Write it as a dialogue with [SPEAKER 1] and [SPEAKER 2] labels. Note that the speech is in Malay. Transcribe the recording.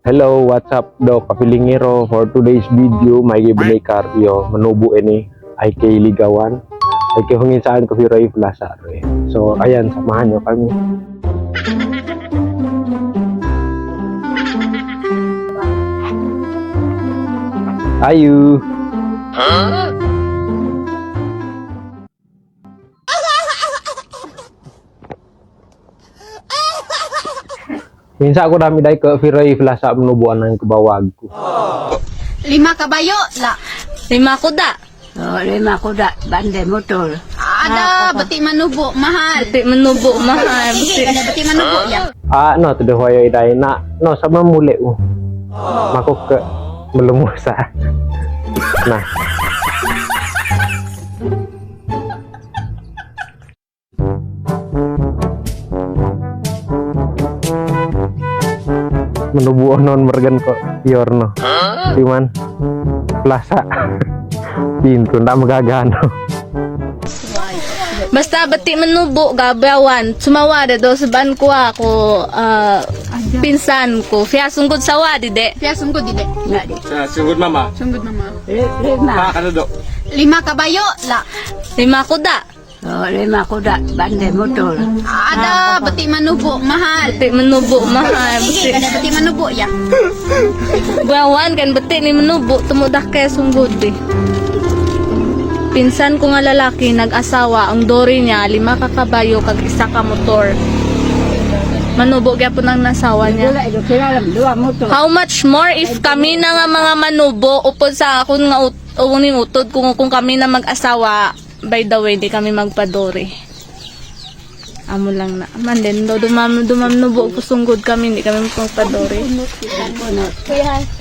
[SPEAKER 1] Hello, what's up do kapilingero? For today's video, may gibinay karyo manubo ini ay kay ligawan. Ay kay hungin saan ko Ray Plaza. So, ayan, samahan nyo kami. Ayu. Minsan ako dami dahil ke Ray Plaza menubuan ng kabawag ko.
[SPEAKER 2] 5 kabayo la.
[SPEAKER 3] 5 kuda.
[SPEAKER 4] Oh, 5 kuda, bandai motor.
[SPEAKER 2] Ada beti manubo mahal.
[SPEAKER 3] Bati menubo mahal.
[SPEAKER 2] Sige, ada beti manubo ya.
[SPEAKER 1] No, tuh hoyo dai na, no sama mule Makuk ke melumusa. Nah. Menubu non mergen kok Yorno. Cuman Plaza. Pintu ndak magagano.
[SPEAKER 3] Basta bati menubo gabawan. Sumawada do saban ko ako pinsan ko. Fiya sunggod sawa dide.
[SPEAKER 2] Pia sungguh dide.
[SPEAKER 4] Enggak di.
[SPEAKER 5] Sungguh mama.
[SPEAKER 2] Sungguh mama.
[SPEAKER 4] 5.
[SPEAKER 5] Kano do?
[SPEAKER 2] 5 kabayo la.
[SPEAKER 3] 5 kuda.
[SPEAKER 4] Oh, 5 kuda, bandai motor.
[SPEAKER 2] Ada beti manubo mahal.
[SPEAKER 3] Bati menubo mahal.
[SPEAKER 2] Sige, ada beti manubo ya.
[SPEAKER 3] Bawan kan bati ni menubo tumudak kay sunggod di. Pinsan ko nga lalaki nag-asawa, ang dori niya 5 ka kabayo kag 1 ka motor. Manubo gyapon ang nasawa niya.
[SPEAKER 4] Wala ito kira lang 2 motor.
[SPEAKER 3] How much more if kami na nga mga manubo upod sa akon nga uning utod kung kami na mag-asawa, by the way di kami magpadori. Amo lang na. Man din do dumam nubo ko sunggod kami di kami magpadori.
[SPEAKER 4] Kuya,